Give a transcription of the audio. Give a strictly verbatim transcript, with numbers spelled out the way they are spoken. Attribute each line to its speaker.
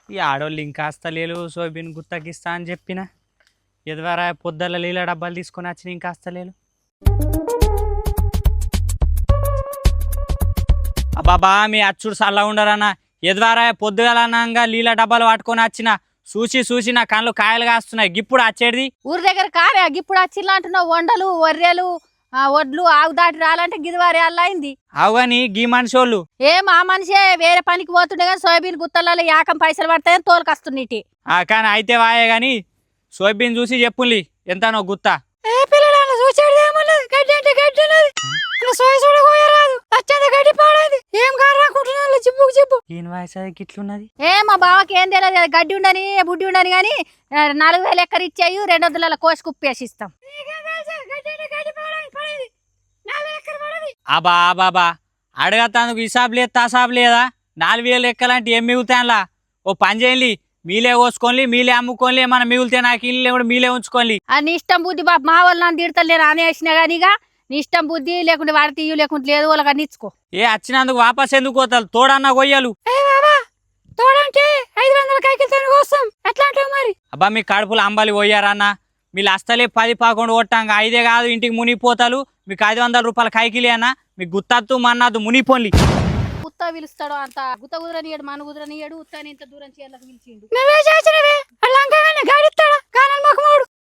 Speaker 1: ఈ ఆడోళ్ళు ఇంకా అస్తలేలు సోయాబీన్ గుత్తకిస్తా అని చెప్పిన ఎదువారా పొద్దుల నీళ్ళ డబ్బాలు తీసుకొని వచ్చిన ఇంకా అస్తలేలు. బాబా మీ అచ్చుడు చల్లగా ఉండరన్న ఎదువారా పొద్దుగలనంగా నీళ్ళ డబ్బాలు పట్టుకొని వచ్చిన చూసి చూసి నా కళ్ళు కాయలు కాస్తున్నాయి. గిప్పుడు వచ్చేది
Speaker 2: ఊరి దగ్గర కారే గిప్పుడు వచ్చిలా అంటున్నావు. వండలు వర్రెలు వడ్లు ఆగు దాటి రాలంటే గిదివారి అలా అయింది.
Speaker 1: అవుగాని గీ మనిషి వాళ్ళు
Speaker 2: ఏం ఆ మనిషే వేరే పనికి పోతుండే కానీ సోయాబీన్ గుత్తలలో యాకం పైసలు పడతాయని తోలుకొస్తున్నీటి.
Speaker 1: కానీ అయితే వాయే గాని సోయాబీన్ చూసి చెప్పుండి ఎంతనో గుత్త.
Speaker 2: ఏ మా బావకి ఏం తెలియదు గడ్డి ఉండని బుడ్డి ఉండని గాని నాలుగు వేలు ఎక్కర ఇచ్చాయి రెండు వందల కోసి కుప్పేసి ఇస్తాం.
Speaker 1: అబా బాబా అడగతాను హిసాబ్ లేదు తాసాబ్ లేదా నాలుగు వేలు ఎక్కలాంటి ఏం మిగులుతానులా ఓ పని చేయండి మీలే కోసుకోండి మీలే అమ్ముకోండి ఏమన్నా మిగిలితే నాకు ఇల్లు కూడా మీలే ఉంచుకోండి.
Speaker 2: నీ ఇష్టం బుద్ధి బాబు మా వాళ్ళు నన్ను తిడతాను నేను అనేసినా కానీ ఇక నీ ఇష్టం బుద్ధి లేకుంటే వాడి తీయు లేకుంటే లేదు వాళ్ళకి అన్ని ఇచ్చుకో.
Speaker 1: ఏ వచ్చినందుకు వాపస్ ఎందుకు పోతారు తోడన్నా కొయ్యలు
Speaker 2: తోడంటే ఐదు వందల కైకిలతో కోసం ఎట్లా అంటావు మరి.
Speaker 1: అబ్బా మీ కడుపులు అంబాలి పోయారన్న మీరు అస్తలే పది పదకొండు కొట్టాక ఐదే కాదు ఇంటికి మునిగిపోతారు. మీకు ఐదు వందల రూపాయల కైకిలి అన్న మీకు గుత్తత్తు మన్నద్దు మునిపోండి.
Speaker 2: గుత్త పిలుస్తాడు అంత గుత్త కుదరనియడు మన కుదరనియడు ఉత్తని ఇంత దూరం చీరలకు పిలిచిండు.